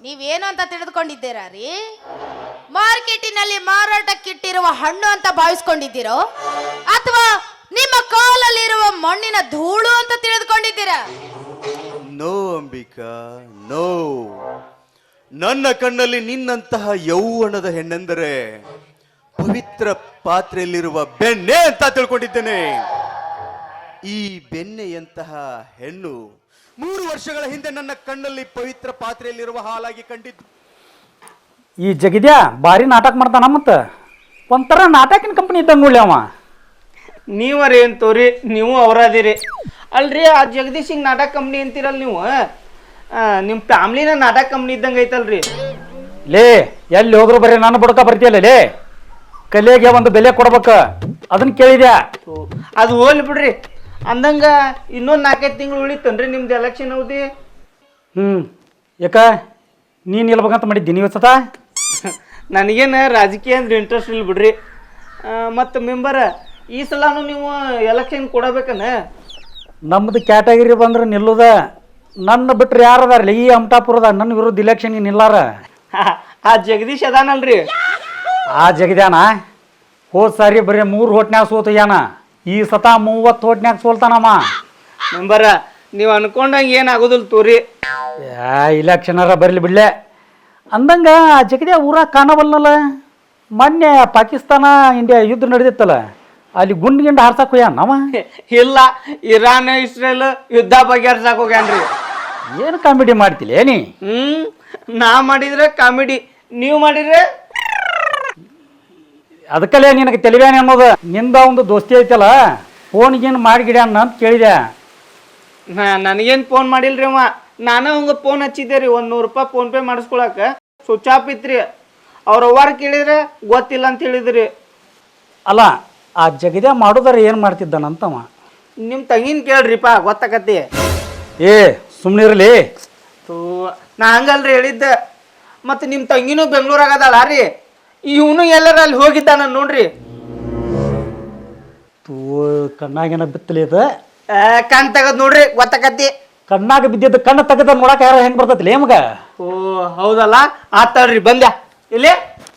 ನೀವೇನು ಅಂತ ತಿಳಿದುಕೊಂಡಿದ್ದೀರಾ ರೀ? ಮಾರ್ಕೆಟಿನಲ್ಲಿ ಮಾರಾಟಕ್ಕಿಟ್ಟಿರುವ ಹಣ್ಣು ಅಂತ ಭಾವಿಸ್ಕೊಂಡಿದ್ದೀರೋ ಅಥವಾ ನಿಮ್ಮ ಕಾಲಲ್ಲಿರುವ ಮಣ್ಣಿನ ಧೂಳು ಅಂತ ತಿಳಿದುಕೊಂಡಿದ್ದೀರಾ? No Ambika, no. ನನ್ನ ಕಣ್ಣಲ್ಲಿ ನಿನ್ನಂತಹ ಯೌವನದ ಹೆಣ್ಣೆಂದರೆ ಪವಿತ್ರ ಪಾತ್ರೆಯಲ್ಲಿರುವ ಬೆಣ್ಣೆ ಅಂತ ತಿಳ್ಕೊಂಡಿದ್ದೇನೆ. ಈ ಬೆಣ್ಣೆಯಂತಹ ಹೆಣ್ಣು 3 ವರ್ಷಗಳ ಹಿಂದೆ ನನ್ನ ಕಣ್ಣಲ್ಲಿ ಪವಿತ್ರ ಪಾತ್ರೆಯಲ್ಲಿರುವ ಹಾಲಾಗಿ ಕಂಡಿದ್ದು. ಈ ಜಗದ್ಯಾ ಭಾರಿ ನಾಟಕ ಮಾಡ್ತಾನ, ಮತ್ತು ಒಂಥರ ನಾಟಕಿನ ಕಂಪ್ನಿ ಇದ್ದಂಗೆ ನೋಡ್ಲಿ ಅವ. ನೀವರಿ ಏನು ತೋರಿ, ನೀವು ಅವರದಿರಿ ಅಲ್ರಿ. ಆ ಜಗದೀಶ್ ಹಿಂಗೆ ನಾಟಕ ಕಂಪ್ನಿ ಅಂತೀರಲ್ಲ ನೀವು, ನಿಮ್ಮ ಫ್ಯಾಮ್ಲಿನ ನಾಟಕ ಕಂಪ್ನಿ ಇದ್ದಂಗೆ ಐತಲ್ರಿ. ಲೇ ಎಲ್ಲಿ ಹೋದ್ರು ಬರೀ ನಾನು ಬುಡಕ ಬರ್ತೀಯಲ್ಲ ಲೇ, ಕಲೆಗೆ ಒಂದು ಬೆಲೆ ಕೊಡ್ಬೇಕು, ಅದನ್ನ ಕೇಳಿದ್ಯಾ? ಅದು ಹೋಗ್ಲಿ ಬಿಡ್ರಿ. ಅಂದಂಗ ಇನ್ನೊಂದು 4-5 ತಿಂಗಳು ಉಳಿತನ್ರಿ ನಿಮ್ದು ಎಲೆಕ್ಷನ್ ಅವಧಿ. ಯಾಕ ನೀನು ನಿಲ್ಬೇಕಂತ ಮಾಡಿದ್ದೀನಿ ಇವತ್ತ? ನನಗೇನು ರಾಜಕೀಯ ಅಂದ್ರೆ ಇಂಟ್ರೆಸ್ಟ್ ಇಲ್ಲ ಬಿಡ್ರಿ. ಮತ್ತು ಮೆಂಬರ ಈ ಸಲನೂ ನೀವು ಎಲೆಕ್ಷನ್ ಕೊಡಬೇಕನ? ನಮ್ಮದು ಕ್ಯಾಟಗರಿ ಬಂದ್ರೆ ನಿಲ್ಲುದ. ನನ್ನ ಬಿಟ್ರೆ ಯಾರದಾರಲ್ಲ ಈ ಅಮಟಾಪುರದ ನನ್ನ ವಿರುದ್ಧ ಇಲೆಕ್ಷನ್ಗೆ ನಿಲ್ಲಾರ? ಆ ಜಗದೀಶ್ ಅದಾನಲ್ರಿ, ಆ ಜಗದ್ಯಾನ ಹೋದ್ ಸಾರಿ ಬರೀ 3 ಹೋಟ್ನ್ಯಾಗ ಸೋತಯ್ಯಾನ. ಈ ಸತ 30 ಹೋಟ್ನ್ಯಾಗ ಸೋಲ್ತಾನಮ್ಮ. ಮೆಂಬರ ನೀವು ಅನ್ಕೊಂಡಂಗೆ ಏನಾಗೋದಿಲ್ಲ ತೋರಿ. ಇಲೆಕ್ಷನರ ಬರಲಿ ಬಿಡ್ಲೆ. ಅಂದಂಗ ಆ ಜಗದ್ಯಾ ಊರಾಗ ಕಾಣವಲ್ನಲ್ಲ. ಮೊನ್ನೆ ಪಾಕಿಸ್ತಾನ ಇಂಡಿಯಾ ಯುದ್ಧ ನಡೆದಿತ್ತಲ್ಲ, ಅಲ್ಲಿ ಗುಂಡ್ ಹಾರ್ಸಕ್ ಹೋಗ್ಯಾನವ. ಇಲ್ಲ, ಇರಾನ್ ಇಸ್ರೇಲ್ ಯುದ್ಧ ಬಗೆಹರ್ಸಕ್ ಹೋಗ್ಯಾನ್ರಿ. ಏನು ಕಾಮಿಡಿ ಮಾಡ್ತಿಲ್ಲ ಏನಿ? ನಾ ಮಾಡಿದ್ರೆ ಕಾಮಿಡಿ, ನೀವು ಮಾಡಿದ್ರೆ ಅದಕ್ಕಲ್ಲೇ ನಿನಗೆ ತಿಳಿವ್ಯಾನೆ ಅನ್ನೋದು. ನಿಂದ ಒಂದು ದೋಸ್ತಿ ಐತಲ್ಲ, ಫೋನ್ಗೇನು ಮಾಡಿಗಿಡ್ಯಾನ ಅಂತ ಕೇಳಿದೆ. ನನಗೇನು ಫೋನ್ ಮಾಡಿಲ್ರಿ ಅವ. ನಾನು ಹಂಗೆ ಫೋನ್ ಹಚ್ಚಿದ್ದೆ ರೀ, 100 ರೂಪಾಯಿ ಫೋನ್ಪೇ ಮಾಡಿಸ್ಕೊಳಕ್ಕೆ. ಸ್ವಿಚ್ ಆಫ್ ಇತ್ರಿ. ಅವ್ರ ಅವ್ವಾರ ಕೇಳಿದ್ರೆ ಗೊತ್ತಿಲ್ಲ ಅಂತ ಹೇಳಿದ್ರಿ. ಅಲ್ಲ, ಆ ಜಗದ್ಯಾ ಮಾಡೋದಾರ ಏನು ಮಾಡ್ತಿದ್ದಾನಂತವ. ನಿಮ್ಮ ತಂಗಿನ ಕೇಳ್ರಿಪ್ಪ, ಗೊತ್ತಾಕತಿ. ಏ ಸುಮ್ಮನಿರಲಿ. ನಾ ಹಂಗಲ್ರಿ ಹೇಳಿದ್ದೆ. ಮತ್ತು ನಿಮ್ಮ ತಂಗಿನೂ ಬೆಂಗಳೂರಾಗದಲ್ಲ ರೀ, ಇವನು ಎಲ್ಲರ ಅಲ್ಲಿ ಹೋಗಿದ್ದಾನ ನೋಡ್ರಿ. ಕಣ್ಣಾಗೇನ ಬಿತ್ತಲಿ ಇದು? ಕಣ್ ತೆಗದ್ ನೋಡ್ರಿ, ಗೊತ್ತಾಕತಿ. ಕಣ್ಣಾಗ ಬಿದ್ದಿದ್ದು ಕಣ್ಣು ತೆಗೆದ ನೋಡಕ್ಕೆ ಯಾರು ಹೆಂಗೆ ಬರ್ತೈತಿ ಮಗ? ಓ ಹೌದಲ್ಲ, ಆತಾಳ್ರಿ ಬಂದ್ಯಾ ಇಲ್ಲಿ.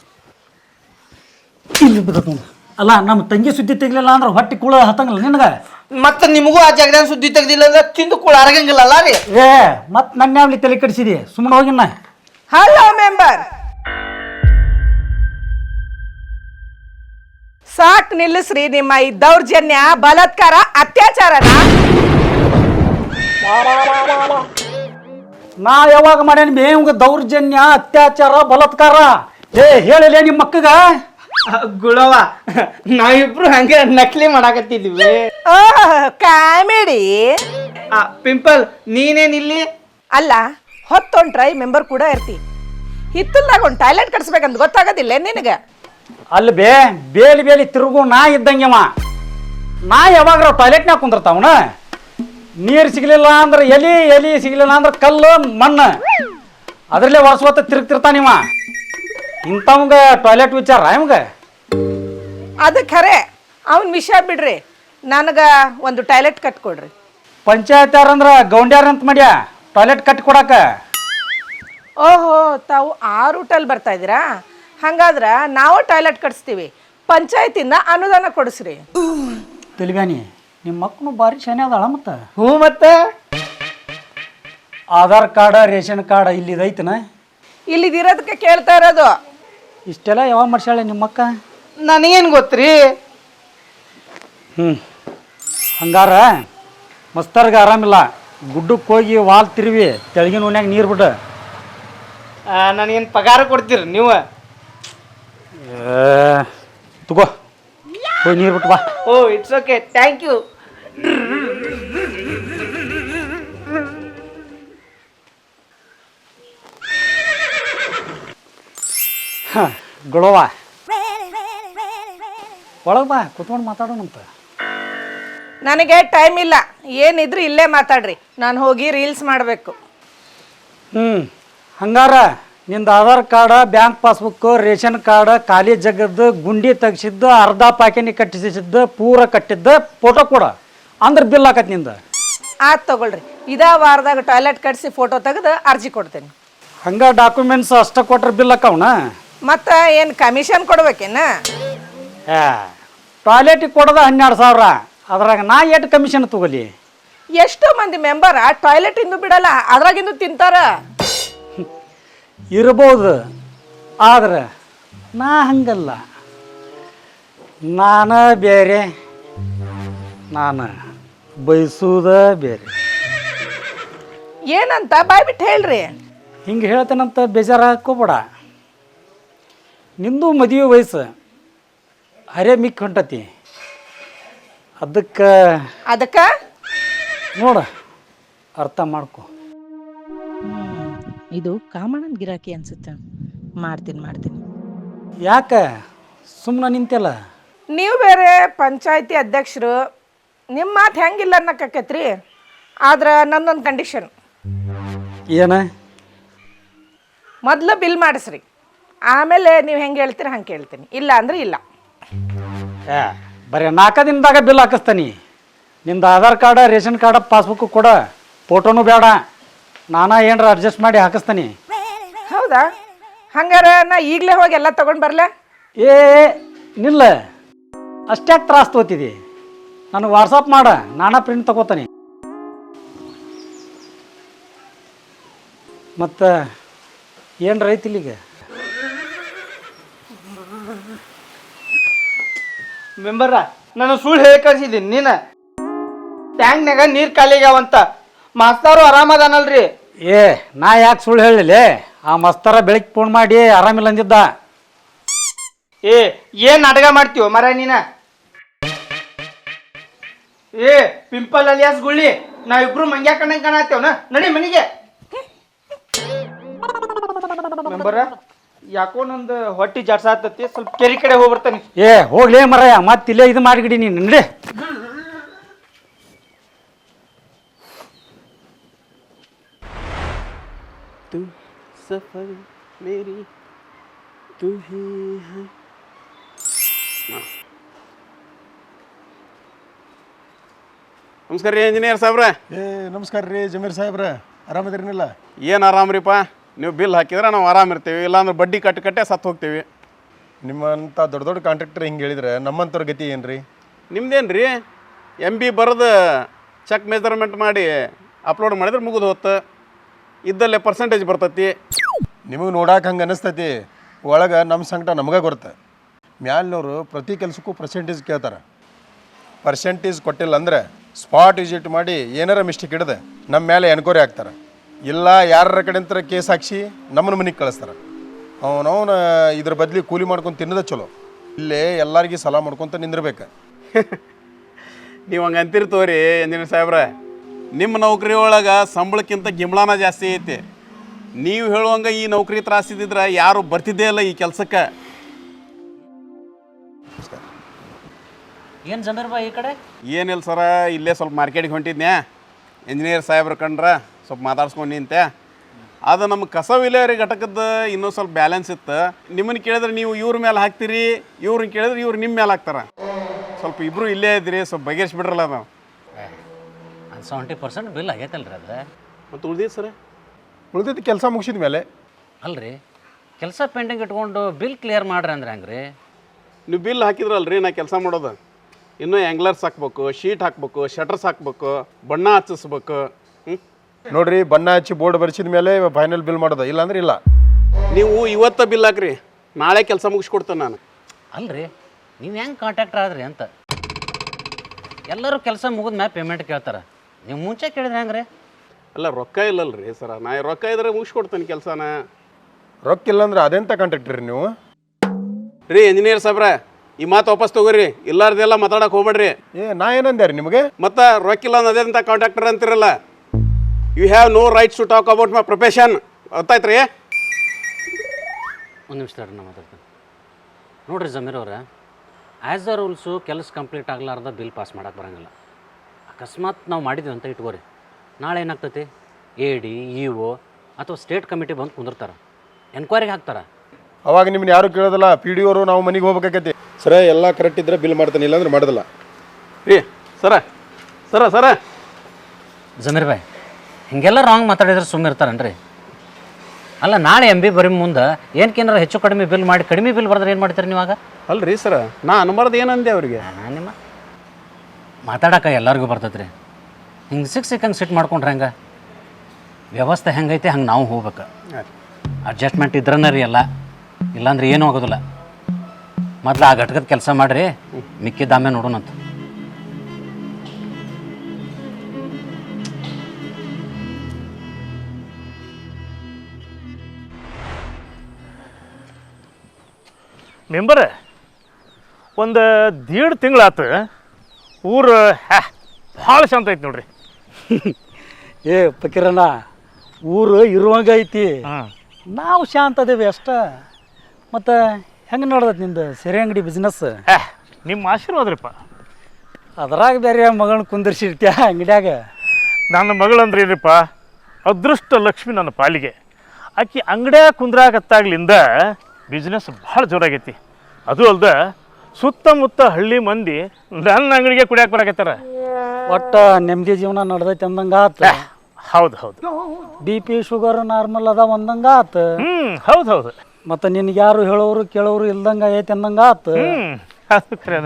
ಇಲ್ಲಿ ಬಿದ್ದ. ಅಲ್ಲ, ನಮ್ಮ ತಂಗಿ ಸುದ್ದಿ ತೆಗಿಲಿಲ್ಲ ಅಂದ್ರೆ ಹೊಟ್ಟೆ ಕುಳ ಹತ್ತಂಗಿಲ್ಲ ನಿನಗೆ? ಮತ್ತೆ ನಿಮಗೂ ಆ ಜಗದಾನ ಸುದ್ದಿ ತೆಗ್ದಿಲ್ಲ ಅಂದ್ರೆ ತಿಂದು ಕೂಡ ಅರಗಂಗಿಲ್ಲಲ್ಲ ರೀ. ಏ ಮತ್ತೆ ನನ್ನ ಯಾವ್ಲಿ ತಲೆ ಕಡಿಸಿದಿ? ಸುಮ್ಮನೆ ಹೋಗಿನ್ನ. ಹಲೋ ಮೆಂಬರ್, ಸಾಕ್ ನಿಲ್ಲಿಸ್ರಿ ನಿಮ್ಮ ಈ ದೌರ್ಜನ್ಯ, ಬಲಾತ್ಕಾರ, ಅತ್ಯಾಚಾರನ. ನಾ ಯಾವಾಗ ಮಾಡ್ಯಾನ ಬೇವಂಗ ದೌರ್ಜನ್ಯ, ಅತ್ಯಾಚಾರ, ಬಲಾತ್ಕಾರ? ಏ ಹೇಳಿಲ್ಲ ನಿಮ್ಮ ಮಕ್ಕಗ? ಗುಳವ, ನಾವಿಬ್ರು ಹಂಗೆ ನಕಲಿ ಮಾಡಾಕತ್ತಿದ್ವಿ. ಕಾಮಿಡಿ. ಪಿಂಪಲ್, ನೀನೇನಿಲ್ಲಿ? ಅಲ್ಲ, ಹೊತ್ತೊಂಟ್ರೈ ಮೆಂಬರ್ ಕೂಡ ಇರ್ತಿ. ಹಿತ್ತಲ್ದಾಗ ಒಂದು ಟಾಯ್ಲೆಟ್ ಕಟ್ಸ್ಬೇಕಂತ ಗೊತ್ತಾಗೋದಿಲ್ಲ ನಿನಗೆ? ಅಲ್ಲಿ ಬೇಲಿ ತಿರುಗು ನಾ ಇದ್ದಂಗೆವ. ನಾ ಯಾವಾಗ ಟಾಯ್ಲೆಟ್ನಾಗ ಕುಂದಿರ್ತಾವನ? ನೀರು ಸಿಗಲಿಲ್ಲ ಅಂದ್ರೆ ಎಲಿ ಸಿಗಲಿಲ್ಲ ಅಂದ್ರೆ ಕಲ್ಲು ಮಣ್ಣು, ಅದರಲ್ಲೇ ವರ್ಷ ತಿರುಗ್ತಿರ್ತಾನಿವ. ಇಂಥವಂಗ ಟಾಯ್ಲೆಟ್ ವಿಚಾರ ಇವಂಗ? ಅದು ಖರೆ. ಅವನ ವಿಷಯ ಬಿಡ್ರಿ, ನನಗೆ ಒಂದು ಟಾಯ್ಲೆಟ್ ಕಟ್ಕೊಡ್ರಿ. ಪಂಚಾಯತ್ ಯಾರಂದ್ರ ಗೌಂಡ್ಯಾರ ಅಂತ ಮಾಡ್ಯಾ ಟಾಯ್ಲೆಟ್ ಕಟ್ಟಿ ಕೊಡಾಕ? ಓಹೋ, ತಾವು ಆ ರೂಟಲ್ಲಿ ಬರ್ತಾ ಇದ್ದೀರಾ? ಹಂಗಾದ್ರೆ ನಾವು ಟಾಯ್ಲೆಟ್ ಕಟ್ಸ್ತೀವಿ, ಪಂಚಾಯತಿಂದ ಅನುದಾನ ಕೊಡಿಸ್ರಿ. ತಿಳಿವ್ಯಾನಿ, ನಿಮ್ಮ ಮಕ್ಕಳು ಭಾರಿ ಶಾನೆ ಅದಾಳ. ಮತ್ತು ಹ್ಞೂ, ಮತ್ತೆ ಆಧಾರ್ ಕಾರ್ಡ, ರೇಷನ್ ಕಾರ್ಡ್ ಇಲ್ಲಿದೈತನ? ಇಲ್ಲಿದಿರೋದಕ್ಕೆ ಕೇಳ್ತಾ ಇರೋದು. ಇಷ್ಟೆಲ್ಲ ಯಾವಾಗ ಮಾಡ್ಸಾಳೆ ನಿಮ್ಮ ಅಕ್ಕ? ನನಗೇನು ಗೊತ್ತ್ರಿ. ಹಂಗಾರ ಮಸ್ತರ್ಗೆ ಆರಾಮಿಲ್ಲ, ಗುಡ್ಡಕ್ಕೆ ಹೋಗಿ ವಾಲ್ ತಿರುವಿ ತೆಳಗಿನ ಓನ್ಯಾಗ ನೀರು ಬಿಡು. ನನಗೇನು ಪಗಾರ ಕೊಡ್ತೀರಿ ನೀವು? ತಗೋ ಹೋಗಿ ನೀರು ಬಿಟ್ಟು ಬಾ. Oh it's okay, thank you. ಗುಳವ, ಒಳಗೆ ಬಾ, ಕುತ್ಕೊಂಡು ಮಾತಾಡೋಣಂತ. ನನಗೆ ಟೈಮ್ ಇಲ್ಲ, ಏನಿದ್ರು ಇಲ್ಲೇ ಮಾತಾಡ್ರಿ. ನಾನು ಹೋಗಿ ರೀಲ್ಸ್ ಮಾಡಬೇಕು. ಹಂಗಾರ ನಿಂದು Aadhaar card, bank passbook, ration card, ಖಾಲಿ ಜಗದ್ದು, ಗುಂಡಿ ತೆಗ್ಸಿದ್ದು, ಅರ್ಧ ಪಾಕಿನಿ ಕಟ್ಟಿಸಿದ್ದು, ಪೂರ ಕಟ್ಟಿದ್ದು ಫೋಟೋ ಕೊಡ, ಅಂದ್ರೆ ಬಿಲ್ ಹಾಕತ್ ನಿಂದ. ಆಯ್ತು ತಗೊಳ್ರಿ. ಇದೇ ವಾರದಾಗ ಟಾಯ್ಲೆಟ್ ಕಟ್ಸಿ ಫೋಟೋ ತೆಗೆದು ಅರ್ಜಿ ಕೊಡ್ತೇನೆ. ಹಂಗ ಡಾಕ್ಯುಮೆಂಟ್ಸ್ ಅಷ್ಟ ಕೊಟ್ರೆ ಬಿಲ್ ಅಕ್ಕವನ ಮತ್ತು ಏನು ಕಮಿಷನ್ ಕೊಡ್ಬೇಕೇನ? ಟಾಯ್ಲೆಟಿಗೆ ಕೊಡೋದ 12,000, ಅದ್ರಾಗ ನಾ ಎಷ್ಟು ಕಮಿಷನ್ ತಗೋಲಿ? ಎಷ್ಟೋ ಮಂದಿ ಮೆಂಬರ್ ಟಾಯ್ಲೆಟ್ ಇಂದು ಬಿಡಲ್ಲ, ಅದ್ರಾಗಿಂದು ತಿಂತಾರ. ಇರ್ಬೋದು, ಆದ್ರೆ ನಾ ಹಂಗಲ್ಲ. ನಾನು ಬೇರೆ, ನಾನು ಬಯಸುವುದ ಬೇರೆ. ಏನಂತ ಬಾಯ್ ಬಿಟ್ಟು ಹೇಳ್ರಿ. ಹಿಂಗೆ ಹೇಳ್ತೇನಂತ ಬೇಜಾರು ಹಾಕೋಬೇಡ. ನಿಂದು ಮದುವೆ ವಯಸ್ಸು ಹರೇ ಮಿಕ್ ಹೊಂಟತಿ. ಅದಕ್ಕೆ ನೋಡ, ಅರ್ಥ ಮಾಡ್ಕೊ. ಇದು ಕಾಮಣ್ಣನ ಗಿರಾಕಿ ಅನ್ಸುತ್ತೆ. ಮಾಡ್ತೀನಿ. ಯಾಕೆ ಸುಮ್ಮನೆ ನಿಂತೆಲ್ಲ? ನೀವು ಬೇರೆ ಪಂಚಾಯತಿ ಅಧ್ಯಕ್ಷರು, ನಿಮ್ಮ ಮಾತು ಹೆಂಗಿಲ್ಲ ಅನ್ನಕ್ಕೈತ್ರಿ. ಆದ್ರೆ ನನ್ನೊಂದು ಕಂಡೀಷನ್. ಏನ? ಮೊದಲು ಬಿಲ್ ಮಾಡಿಸ್ರಿ, ಆಮೇಲೆ ನೀವು ಹೆಂಗೆ ಹೇಳ್ತೀರಿ ಹಂಗೆ ಕೇಳ್ತೀನಿ. ಇಲ್ಲ ಅಂದ್ರೆ ಇಲ್ಲ. ಬರೀ 4 ದಿನದಾಗ ಬಿಲ್ ಹಾಕಿಸ್ತಾನಿ. ನಿಂದು Aadhaar card, ration card, passbook ಕೊಡ, ಫೋಟೋನು ಬೇಡ. ನಾನಾ ಏನಾರ ಅಡ್ಜಸ್ಟ್ ಮಾಡಿ ಹಾಕಿಸ್ತಾನಿ. ಹೌದಾ? ಹಂಗಾರ ನಾ ಈಗಲೇ ಹೋಗಿ ಎಲ್ಲ ತಗೊಂಡು ಬರಲೇ? ಏ ನಿಲ್ಲ, ಅಷ್ಟ್ಯಾಕೆ ತ್ರಾಸ ತಗೋತಿದಿ? ನನಗೆ ವಾಟ್ಸಪ್ ಮಾಡ, ನಾನಾ ಪ್ರಿಂಟ್ ತಗೋತಾನೆ. ಮತ್ತು ಏನು ರೈತಿಲ್ಲಿಗ? ಮೆಂಬರ, ನಾನು ಸುಳ್ಳು ಹೇಳಿ ಕಳ್ಸಿದ್ದೀನಿ. ನೀನು ಟ್ಯಾಂಕ್ನಾಗ ನೀರು ಖಾಲಿಗ್ಯಾವಂತ. ಮಾಸ್ತರು ಆರಾಮದಾನಲ್ರಿ? ಏ ನಾ ಯಾಕೆ ಸುಳ್ಳು ಹೇಳಿಲ್ಲ? ಆ ಮಸ್ತರ ಬೆಳಗ್ಗೆ ಫೋನ್ ಮಾಡಿ ಆರಾಮಿಲ್ಲ ಅಂದಿದ್ದ. ಏನ್ ನಾಟಕ ಮಾಡ್ತೀವ ಮರ ನೀನ? ಪಿಂಪಲ್ ಅಲಿಯಾಸ್ ಗುಳ್ಳಿ, ನಾವಿಬ್ರು ಮಂಗ್ಯಾ ಕಣ್ಣಂಗೆ ಕಾಣತ್ತೇವನ. ನಡಿ ಮನೆಗೆ. ಮೆಂಬರ, ಯಾಕೋ ನಂದು ಹೊಟ್ಟಿ ಜಾಡ್ಸಾತತಿ, ಸ್ವಲ್ಪ ಕೆರಿ ಕಡೆ ಹೋಗ್ಬರ್ತಾನೆ. ಹೋಗ್ಲೇ ಮರಯ್ಯ, ಮತ್ತೆ ಇಲ್ಲೇ ಇದು ಮಾಡಿಗಿಡಿ ನೀನು. ನಡಿ. सफर मेरी तू ही है. ನಮಸ್ಕಾರ ರೀ ಇಂಜಿನಿಯರ್ ಸಾಹೇಬ್ರೆ. ನಮಸ್ಕಾರ ರೀ ಜಮೀರ್ ಸಾಹೇಬ್ರೆ, ಆರಾಮದಿರಿನಿಲ್ಲ? ಏನು ಆರಾಮ್ರಿಪ್ಪ, ನೀವು ಬಿಲ್ ಹಾಕಿದ್ರೆ ನಾವು ಆರಾಮಿರ್ತೀವಿ, ಇಲ್ಲಾಂದ್ರೆ ಬಡ್ಡಿ ಕಟ್ಟೆ ಸತ್ತು ಹೋಗ್ತೀವಿ. ನಿಮ್ಮಂಥ ದೊಡ್ಡ ದೊಡ್ಡ ಕಾಂಟ್ರಾಕ್ಟರ್ ಹಿಂಗೆ ಹೇಳಿದ್ರೆ ನಮ್ಮಂಥವ್ರ ಗತಿ ಏನು ರೀ? ನಿಮ್ದೇನು ರೀ, MB ಬರೆದು ಚೆಕ್ ಮೆಜರ್ಮೆಂಟ್ ಮಾಡಿ ಅಪ್ಲೋಡ್ ಮಾಡಿದ್ರೆ ಮುಗಿದು ಹೋತು, ಇದ್ದಲ್ಲೇ ಪರ್ಸೆಂಟೇಜ್ ಬರ್ತೈತಿ. ನಿಮಗೆ ನೋಡಕ್ಕೆ ಹಂಗೆ ಅನ್ನಿಸ್ತೈತಿ, ಒಳಗೆ ನಮ್ಮ ಸಂಕಟ ನಮಗೆ ಗೊತ್ತೆ. ಮ್ಯಾಲಿನವರು ಪ್ರತಿ ಕೆಲಸಕ್ಕೂ ಪರ್ಸೆಂಟೇಜ್ ಕೇಳ್ತಾರೆ. ಪರ್ಸೆಂಟೇಜ್ ಕೊಟ್ಟಿಲ್ಲ ಅಂದರೆ ಸ್ಪಾಟ್ ವಿಸಿಟ್ ಮಾಡಿ ಏನಾರ ಮಿಸ್ಟೇಕ್ ಹಿಡಿದೆ ನಮ್ಮ ಮೇಲೆ ಎನ್ಕ್ವೈರಿ ಹಾಕ್ತಾರೆ. ಇಲ್ಲ ಯಾರ ಕಡೆಂತರ ಕೇಸ್ ಹಾಕ್ಸಿ ನಮ್ಮನ್ನ ಮನೆಗೆ ಕಳಿಸ್ತಾರೆ. ಅವನವನು ಇದ್ರ ಬದಲಿ ಕೂಲಿ ಮಾಡ್ಕೊಂಡು ತಿನ್ನೋದೇ ಚಲೋ. ಇಲ್ಲೇ ಎಲ್ಲರಿಗೂ ಸಲ ಮಾಡ್ಕೊತ ನಿಂದಿರ್ಬೇಕು. ನೀವು ಹಂಗೆ ಅಂತಿರ್ತವ್ರಿ ಇಂಜಿನಿಯರ್ ಸಾಹೇಬ್ರೆ. ನಿಮ್ಮ ನೌಕರಿ ಒಳಗೆ ಸಂಬಳಕ್ಕಿಂತ ಗಿಂಬಳನ ಜಾಸ್ತಿ ಐತಿ. ನೀವು ಹೇಳುವಂಗೆ ಈ ನೌಕರಿ ತ್ರಾಸಿದ್ರೆ ಯಾರು ಬರ್ತಿದ್ದೇ ಇಲ್ಲ ಈ ಕೆಲಸಕ್ಕೆ. ಏನು ಜಮೀರ್ ಬಾ ಈ ಕಡೆ? ಏನಿಲ್ಲ ಸರ, ಇಲ್ಲೇ ಸ್ವಲ್ಪ ಮಾರ್ಕೆಟಿಗೆ ಹೊಂಟಿದ್ನ್ಯಾ. ಇಂಜಿನಿಯರ್ ಸಾಹೇಬ್ರು ಕಂಡ್ರೆ ಸ್ವಲ್ಪ ಮಾತಾಡ್ಸ್ಕೊಂಡು ನಿಂತೆ. ಅದು ನಮ್ಮ ಕಸ ವಿಲೇವಾರಿ ಘಟಕದ ಇನ್ನೂ ಸ್ವಲ್ಪ ಬ್ಯಾಲೆನ್ಸ್ ಇತ್ತು. ನಿಮ್ಮನ್ನು ಕೇಳಿದ್ರೆ ನೀವು ಇವ್ರ ಮೇಲೆ ಹಾಕ್ತೀರಿ, ಇವ್ರನ್ನ ಕೇಳಿದ್ರೆ ಇವ್ರು ನಿಮ್ಮ ಮೇಲೆ ಹಾಕ್ತಾರೆ. ಸ್ವಲ್ಪ ಇಬ್ಬರು ಇಲ್ಲೇ ಇದ್ರಿ, ಸ್ವಲ್ಪ ಬಗೆಹರಿಸ್ಬಿಡ್ರಲ್ಲ ನಾವು. 70% ಬಿಲ್ ಆಗೈತಲ್ರಿ ಅದು. ಮತ್ತು ಉಳ್ದಿದ್ದು ಸರ್, ಉಳಿದಿದ್ದು ಕೆಲಸ ಮುಗಿಸಿದ ಮೇಲೆ ಅಲ್ರಿ, ಕೆಲಸ ಪೆಂಡಿಂಗ್ ಇಟ್ಕೊಂಡು ಬಿಲ್ ಕ್ಲಿಯರ್ ಮಾಡ್ರಿ ಅಂದ್ರೆ ಹೆಂಗ್ರಿ? ನೀವು ಬಿಲ್ ಹಾಕಿದ್ರಲ್ರಿ ನಾ ಕೆಲಸ ಮಾಡೋದು. ಇನ್ನೂ ಆ್ಯಂಗ್ಲರ್ಸ್ ಹಾಕ್ಬೇಕು, ಶೀಟ್ ಹಾಕ್ಬೇಕು, ಶಟರ್ಸ್ ಹಾಕ್ಬೇಕು, ಬಣ್ಣ ಹಚ್ಚಿಸ್ಬೇಕು. ನೋಡ್ರಿ, ಬಣ್ಣ ಹಚ್ಚಿ ಬೋರ್ಡ್ ಬರ್ಸಿದ ಮೇಲೆ ಫೈನಲ್ ಬಿಲ್ ಮಾಡೋದು, ಇಲ್ಲಾಂದ್ರೆ ಇಲ್ಲ. ನೀವು ಇವತ್ತು ಬಿಲ್ ಹಾಕ್ರಿ, ನಾಳೆ ಕೆಲಸ ಮುಗಿಸ್ಕೊಡ್ತೇನೆ ನಾನು. ಅಲ್ರಿ, ನೀವು ಹೆಂಗೆ ಕಾಂಟ್ಯಾಕ್ಟರ್ ಆದ್ರಿ ಅಂತ? ಎಲ್ಲರೂ ಕೆಲಸ ಮುಗಿದ ಮ್ಯಾಲೆ ಪೇಮೆಂಟ್ ಕೇಳ್ತಾರೆ, ನೀವು ಮುಂಚೆ ಕೇಳಿದ್ರೆ ಹೆಂಗ್ರಿ? ಅಲ್ಲ, ರೊಕ್ಕ ಇಲ್ಲಲ್ರಿ ಸರ. ನಾ ರೊಕ್ಕ ಇದ್ರೆ ಮುಗಿಸ್ಕೊಡ್ತೇನೆ ಕೆಲಸನ. ರೊಕ್ಕ ಇಲ್ಲಾಂದ್ರೆ ಅದೆಂತ ಕಾಂಟ್ರಾಕ್ಟರ್ ರೀ ನೀವು? ರೀ ಇಂಜಿನಿಯರ್ ಸಾಹೇಬ್ರ, ಈ ಮಾತು ವಾಪಸ್ ತಗೋರಿ, ಇಲ್ಲಾರ್ದೆಲ್ಲ ಮಾತಾಡಕ್ಕೆ ಹೋಗ್ಬೇಡ್ರಿ. ನಾ ಏನಂದೆ ರೀ ನಿಮಗೆ? ಮತ್ತು ರೊಕ್ಕ ಇಲ್ಲ ಅನ್ನೋದೇಂತ ಕಾಂಟ್ರಾಕ್ಟರ್ ಅಂತಿರಲ್ಲ. You have no rights to talk about my profession. ಗೊತ್ತಾಯ್ತು ರೀ? ಒಂದು ನಿಮಿಷ ನಾ ಮಾತಾಡ್ತೀನಿ. ನೋಡಿರಿ ಜಮೀರ್ ಅವ್ರೆ, ಆ್ಯಸ್ ದ ರೂಲ್ಸು ಕೆಲಸ ಕಂಪ್ಲೀಟ್ ಆಗಲಾರ್ದ ಬಿಲ್ ಪಾಸ್ ಮಾಡೋಕೆ ಬರೋಂಗಿಲ್ಲ. ಅಕಸ್ಮಾತ್ ನಾವು ಮಾಡಿದ್ವಿ ಅಂತ ಇಟ್ಕೋರಿ, ನಾಳೆ ಏನಾಗ್ತೈತಿ, AD EO ಅಥವಾ ಸ್ಟೇಟ್ ಕಮಿಟಿ ಬಂದು ಕುಂದಿರ್ತಾರೆ, ಎನ್ಕ್ವೈರಿಗೆ ಹಾಕ್ತಾರೆ. ಅವಾಗ ನಿಮ್ಮನ್ನ ಯಾರು ಕೇಳೋದಿಲ್ಲ, PDO ಅವರು ನಾವು ಮನೆಗೆ ಹೋಗ್ಬೇಕಾಗೈತಿ. ಸರ ಎಲ್ಲ ಕರೆಕ್ಟ್ ಇದ್ರೆ ಬಿಲ್ ಮಾಡ್ತಾನೆ, ಇಲ್ಲಾಂದ್ರೆ ಮಾಡೋದಿಲ್ಲ. ರೀ ಸರ ಸರ ಸರ ಜಮೀರ್ ಬಾಯ್, ಹಿಂಗೆಲ್ಲ ರಾಂಗ್ ಮಾತಾಡಿದ್ರೆ ಸುಮ್ಮನೆ ಇರ್ತಾರನ್ರಿ? ಅಲ್ಲ ನಾಳೆ MB ಬರೀ ಮುಂದೆ ಏನಕ್ಕೇನಾರ ಹೆಚ್ಚು ಕಡಿಮೆ ಬಿಲ್ ಮಾಡಿ ಕಡಿಮೆ ಬಿಲ್ ಬರೆದ್ರೆ ಏನು ಮಾಡ್ತೀರಿ ನೀವಾಗ? ಅಲ್ರಿ ಸರ ನಾ ಅನ್ಬಾರ್ದು ಏನಂದೆ ಅವ್ರಿಗೆ. ನಿಮ್ಮ ಮಾತಾಡಕ್ಕೆ ಎಲ್ಲರಿಗೂ ಬರ್ತೈತೆ ರೀ. ಹಿಂಗೆ ಸಿಕ್ಕಂಗೆ ಸಿಟ್ಟು ಮಾಡ್ಕೊಂಡ್ರೆ ಹೆಂಗೆ? ವ್ಯವಸ್ಥೆ ಹೆಂಗೈತೆ ಹಂಗೆ ನಾವು ಹೋಗ್ಬೇಕು. ಅಡ್ಜಸ್ಟ್ಮೆಂಟ್ ಇದ್ರನ ರೀ ಎಲ್ಲ, ಇಲ್ಲಾಂದ್ರೆ ಏನೂ ಆಗೋದಿಲ್ಲ. ಮೊದಲು ಆ ಘಟಕದ ಕೆಲಸ ಮಾಡಿರಿ, ಮಿಕ್ಕಿದ ಆಮೇಲೆ ನೋಡೋಣಂತ. ಮೆಂಬರ್ ಒಂದು 1.5 ತಿಂಗಳಾತು ಊರು ಭಾಳ ಶಾಂತ ಐತಿ ನೋಡ್ರಿ. ಏ ಪಕೀರಣ್ಣ, ಊರು ಇರುವಂಗ ಐತಿ, ನಾವು ಶಾಂತ ಅದೇವಿ ಅಷ್ಟ. ಮತ್ತು ಹೆಂಗೆ ನೋಡ್ದೈತಿ ನಿಂದು ಸೆರೆ ಅಂಗಡಿ ಬಿಸ್ನೆಸ್? ನಿಮ್ಮ ಆಶೀರ್ವಾದ್ರಿಪ್ಪ. ಅದ್ರಾಗ ಬೇರೆ ಮಗಳನ್ನ ಕುಂದಿರ್ಸಿರ್ತೀಯ ಅಂಗಡಿಯಾಗ. ನನ್ನ ಮಗಳಂದ್ರೆ ಏನಿಪ್ಪ, ಅದೃಷ್ಟ ಲಕ್ಷ್ಮಿ ನನ್ನ ಪಾಲಿಗೆ. ಆಕಿ ಅಂಗಡಿಯಾಗ ಕುಂದ್ರಾಗತ್ತಾಗ್ಲಿಂದ ಬಿಸ್ನೆಸ್ ಭಾಳ ಜೋರಾಗೈತಿ. ಅದು ಅಲ್ದ ಸುತ್ತಮುತ್ತ ಹಳ್ಳಿ ಮಂದಿ ನನ್ನ ಅಂಗಡಿಗೆ ಕುಡಿಯಾಕ ಬರಾಕತ್ತಾರ. ಒಟ್ಟು ನೆಮ್ಮದಿ ಜೀವನ ನಡೆದೈತಿ ಅಂದಂಗೆ ಆತು. ಹೌದು ಹೌದು. BP ಶುಗರ್ ನಾರ್ಮಲ್ ಅದ ಒಂದಂಗೆ ಆತು. ಹೌದು ಹೌದು. ಮತ್ತು ನಿನ್ಗೆ ಯಾರು ಹೇಳೋರು ಕೇಳೋರು ಇಲ್ದಂಗೆ ಐತಿ ಅಂದಂಗೆ ಆತು. ಅದು ಖರೇನ.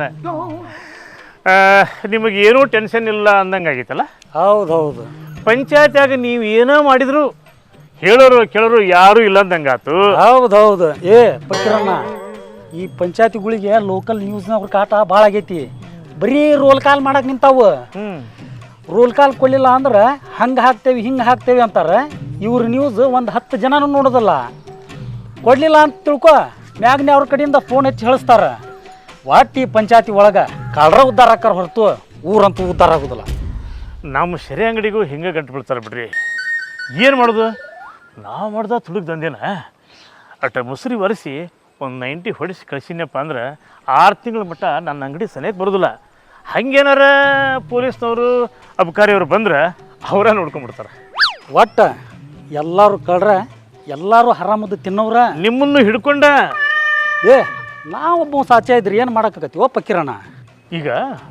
ನಿಮಗೆ ಏನೂ ಟೆನ್ಷನ್ ಇಲ್ಲ ಅಂದಂಗೆ ಆಗೈತಲ್ಲ? ಹೌದು ಹೌದು. ಪಂಚಾಯತ್ಯಾಗ ನೀವು ಏನೋ ಮಾಡಿದ್ರು ಹೇಳೋರು ಕೇಳೋರು ಯಾರೂ ಇಲ್ಲ ಅಂದಂಗೆ ಆತು. ಹೌದು ಹೌದು. ಏ ಪಕೀರಣ್ಣ, ಈ ಪಂಚಾಯತಿಗಳಿಗೆ ಲೋಕಲ್ ನ್ಯೂಸ್ನವ್ರ ಕಾಟ ಭಾಳ ಆಗೈತಿ. ಬರೀ ರೋಲ್ ಕಾಲ್ ಮಾಡಕ್ಕೆ ನಿಂತಾವು. ರೋಲ್ ಕಾಲ್ ಕೊಡಲಿಲ್ಲ ಅಂದ್ರೆ ಹಂಗೆ ಹಾಕ್ತೇವೆ ಹಿಂಗೆ ಹಾಕ್ತೇವೆ ಅಂತಾರೆ. ಇವ್ರ ನ್ಯೂಸ್ ಒಂದು 10 ಜನನೂ ನೋಡೋದಲ್ಲ. ಕೊಡಲಿಲ್ಲ ಅಂತ ತಿಳ್ಕೊ, ಮ್ಯಾಗ್ನೆ ಅವ್ರ ಕಡೆಯಿಂದ ಫೋನ್ ಹಚ್ಚಿ ಹೇಳಿಸ್ತಾರೆ. ಒಟ್ಟು ಈ ಪಂಚಾಯತಿ ಒಳಗೆ ಕಳ್ರ ಉದ್ಧಾರ ಆಕಾರ ಹೊರತು ಊರಂತೂ ಉದ್ಧಾರ ಆಗೋದಿಲ್ಲ. ನಮ್ಮ ಸೆರೆ ಅಂಗಡಿಗೂ ಹಿಂಗೆ ಗಂಟು ಬೀಳ್ತಾರೆ ಬಿಡ್ರಿ. ಏನು ಮಾಡೋದು? ನಾವು ಮಾಡ್ದ ತುಡುಗ್ ದಂಧೆನ ಅಟ ಮುಸುರಿ ಒರೆಸಿ ಒಂದು 90 ಹೊಡಿಸಿ ಕಳಿಸಿನಪ್ಪ ಅಂದ್ರೆ 6 ತಿಂಗಳ ಮಟ್ಟ ನನ್ನ ಅಂಗಡಿ ಸನಿಯಕ್ಕೆ ಬರೋದಿಲ್ಲ. ಹಂಗೇನಾರ ಪೊಲೀಸ್ನವರು ಅಬಕಾರಿಯವರು ಬಂದ್ರೆ ಅವರ ನೋಡ್ಕೊಂಡ್ಬಿಡ್ತಾರೆ. ಒಟ್ಟು ಎಲ್ಲರೂ ಕಳ್ರ, ಎಲ್ಲರೂ ಹರಾಮದ್ದು ತಿನ್ನೋರ. ನಿಮ್ಮನ್ನು ಹಿಡ್ಕೊಂಡ ಏ ನಾವೊಬ್ಬ ಸಾಚ ಇದ್ರಿ ಏನು ಮಾಡೋಕ್ಕಾಗತ್ತಿ? ಓ ಪಕೀರಣ್ಣ, ಈಗ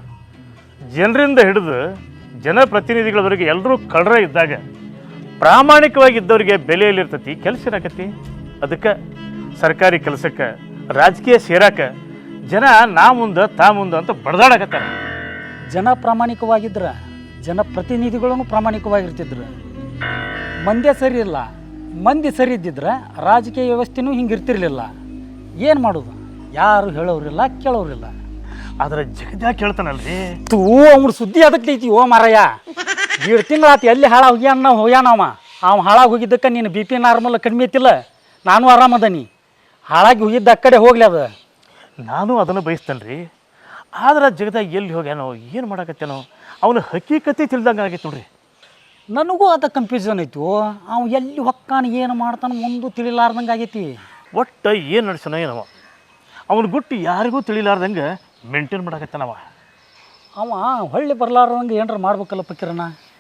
ಜನರಿಂದ ಹಿಡಿದು ಜನಪ್ರತಿನಿಧಿಗಳವರೆಗೆ ಎಲ್ಲರೂ ಕಳ್ರ ಇದ್ದಾಗ ಪ್ರಾಮಾಣಿಕವಾಗಿ ಇದ್ದವರಿಗೆ ಬೆಲೆಯಲ್ಲಿರ್ತೈತಿ, ಕೆಲಸ ಇರಾಕತಿ. ಅದಕ್ಕೆ ಸರ್ಕಾರಿ ಕೆಲಸಕ್ಕೆ ರಾಜಕೀಯ ಸೇರಾಕ ಜನ ನಾ ಮುಂದೆ ತಾ ಮುಂದೆ ಅಂತ ಬಡ್ದಾಡಕತ್ತಾರೆ. ಜನ ಪ್ರಾಮಾಣಿಕವಾಗಿದ್ರೆ ಜನಪ್ರತಿನಿಧಿಗಳೂ ಪ್ರಾಮಾಣಿಕವಾಗಿರ್ತಿದ್ರು. ಮಂದ್ಯ ಸರಿ ಇಲ್ಲ, ಮಂದಿ ಸರಿ ಇದ್ದಿದ್ರೆ ರಾಜಕೀಯ ವ್ಯವಸ್ಥೆನೂ ಹಿಂಗೆ ಇರ್ತಿರ್ಲಿಲ್ಲ. ಏನು ಮಾಡೋದು? ಯಾರು ಹೇಳೋರಿಲ್ಲ ಕೇಳೋರಿಲ್ಲ. ಆದ್ರೆ ಜಗದ್ಯಾಗ ಕೇಳ್ತಾನಲ್ರಿ. ತೂ ಅವ್ನ ಸುದ್ದಿ ಅದಕ್ಕೆ ಐತಿ. ಓ ಮಾರಯ್ಯ, 1.5 ತಿಂಗಳಾತು ಎಲ್ಲಿ ಹಾಳಾಗಿ ಹೋಗ್ಯಾನವ. ಅವ ಹಾಳಾಗಿ ಹೋಗಿದ್ದಕ್ಕೆ ನೀನು BP ನಾರ್ಮಲ್ ಕಡಿಮೆ ಐತಿಲ್ಲ, ನಾನು ಆರಾಮದನಿ. ಹಾಳಾಗಿ ಹೋಗಿದ್ದ ಆ ಕಡೆ ಹೋಗ್ಲಿ ಅದು. ನಾನು ಅದನ್ನು ಬಯಸ್ತೇನೆ ರೀ. ಆದ್ರೆ ಜಗದಾಗ ಎಲ್ಲಿ ಹೋಗ್ಯಾನೋ, ಏನು ಮಾಡಕತ್ತೇನೋ, ಅವನು ಹಕೀಕತೆ ತಿಳಿದಂಗೆ ಆಗೈತೆ ನೋಡ್ರಿ. ನನಗೂ ಅದ ಕನ್ಫ್ಯೂಷನ್ ಐತಿ. ಅವ ಎಲ್ಲಿ ಹೊಕ್ಕಾನ ಏನು ಮಾಡ್ತಾನೆ ಒಂದು ತಿಳಿಲಾರ್ದಂಗೆ ಆಗೈತಿ. ಒಟ್ಟು ಏನು ನಡೆಸೋಣ ಏನವ, ಅವನು ಗುಟ್ಟು ಯಾರಿಗೂ ತಿಳಿಲಾರ್ದಂಗೆ ಮೇಂಟೈನ್ ಮಾಡಕತ್ತಾನವ. ಅವ ಹೊಳ್ಳಿ ಬರ್ಲಾರ್ದಂಗೆ ಏನಾರ ಮಾಡ್ಬೇಕಲ್ಲ ಪಕೀರಣ್ಣ?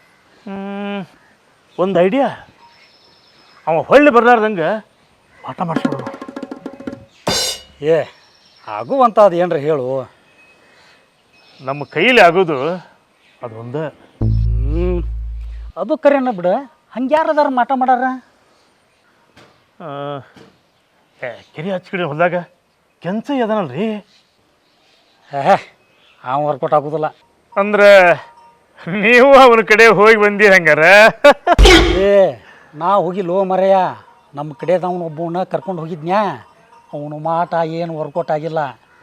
ಒಂದು ಐಡಿಯಾ, ಅವ ಹೊಳ್ಳಿ ಬರ್ಲಾರ್ದಂಗೆ ಪಾಠ ಮಾಡಿಸ್ಬಿಡೋಣ. ಏ ಆಗುವಂತ ಅದು ಏನ್ರ ಹೇಳು. ನಮ್ಮ ಕೈಲಿ ಆಗೋದು ಅದೊಂದು. ಅದು ಕರೆನ ಬಿಡ. ಹಂಗೆ ಯಾರದಾರ ಮಾಟ ಮಾಡಾರ? ಕೆರೆ ಹಚ್ಕಡೆ ಹೊಲ್ದಾಗ ಕೆಂಚ ಅದನಲ್ರಿ. ಅವ ವರ್ಕೌಟ್ ಆಗೋದಿಲ್ಲ ಅಂದ್ರೆ ನೀವು ಅವನ ಕಡೆ ಹೋಗಿ ಬಂದಿ ಹಂಗಾರ? ಏ ನಾ ಹೋಗಿಲ್ಲೋ ಮರೆಯ, ನಮ್ಮ ಕಡೆದವನು ಒಬ್ಬವನ್ನ ಕರ್ಕೊಂಡು ಹೋಗಿದ್ನ್ಯಾ. ಅವನು ಮಾಟ ಏನು ವರ್ಕೌಟ್ ಆಗಿಲ್ಲ.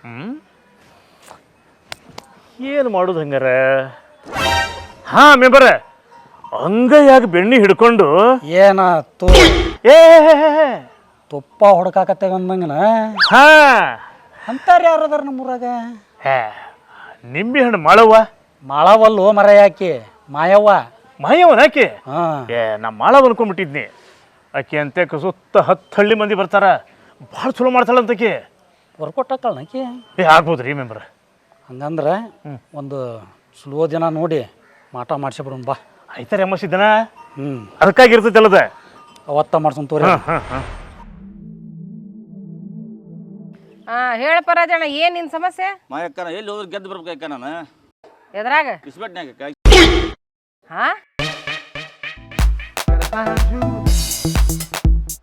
ಏನು ಮಾಡೋದು ಹಂಗಾರ? ಹಾಂ ಮೆಂಬರ, ಅಂಗೈಯಾಗ ಬೆಣ್ಣೆ ಹಿಡ್ಕೊಂಡು ಏನ ಏ ತುಪ್ಪ ಹೊಡ್ಕಾಕತ್ತೇವೆ ಅಂದಂಗನ. ಹಾ ಅಂತಾರ ಯಾರದಾರ ನಮ್ಮೂರಾಗ? ನಿಂಬೆ ಹಣ್ಣು ಮಾಳವ್ವ. ಮಾಳವಲ್ಲೋ ಮರೆಯಾಕಿ, ಮಾಯವ್ವ. ಮಾಯವ್ವನ ಆಕೆ? ಹಾಂ. ನಾ ಮಾಳವ್ ಅನ್ಕೊಂಡ್ಬಿಟ್ಟಿದ್ನಿ. ಆಕೆ ಅಂತೆ ಸುತ್ತ 10 ಹಳ್ಳಿ ಮಂದಿ ಬರ್ತಾರ, ಭಾಳ ಚಲೋ ಮಾಡ್ತಾಳಂತಕಿ. ವರ್ಕೌಟ್ ಹಾಕಳನಕಿ? ಆಗ್ಬೋದು ರೀ ಮೆಂಬರ್. ಹಂಗಂದ್ರೆ ಒಂದು ಸ್ಲೋ ದಿನ ನೋಡಿ ಮಾಟ ಮಾಡಿಸ್ಬಿಡೋಣ ಬಾ. ಆಯ್ತಾರೆ ಅಮ್ಮಸಿದ್ದನ. ಅದಕ್ಕಾಗಿ ಇರ್ತೈತಲ್ಲದ ಅವತ್ತ ಮಾಡ್ಸೋಣ ತೋರಿ. ಹೇಳಪ್ಪ ರಾಜಣ್ಣ, ಏನ್ ನಿನ್ ಸಮಸ್ಯೆ? ಮಾಯಕ್ಕ ಎಲ್ಲಿ ಹೋದ್ರೆ ಗೆದ್ದು ಬರ್ಬೇಕ ನಾನು ಎದ್ರಾಗ ಇಸ್ಬೆಟ್ನ್ಯಾಗ. ಹಾ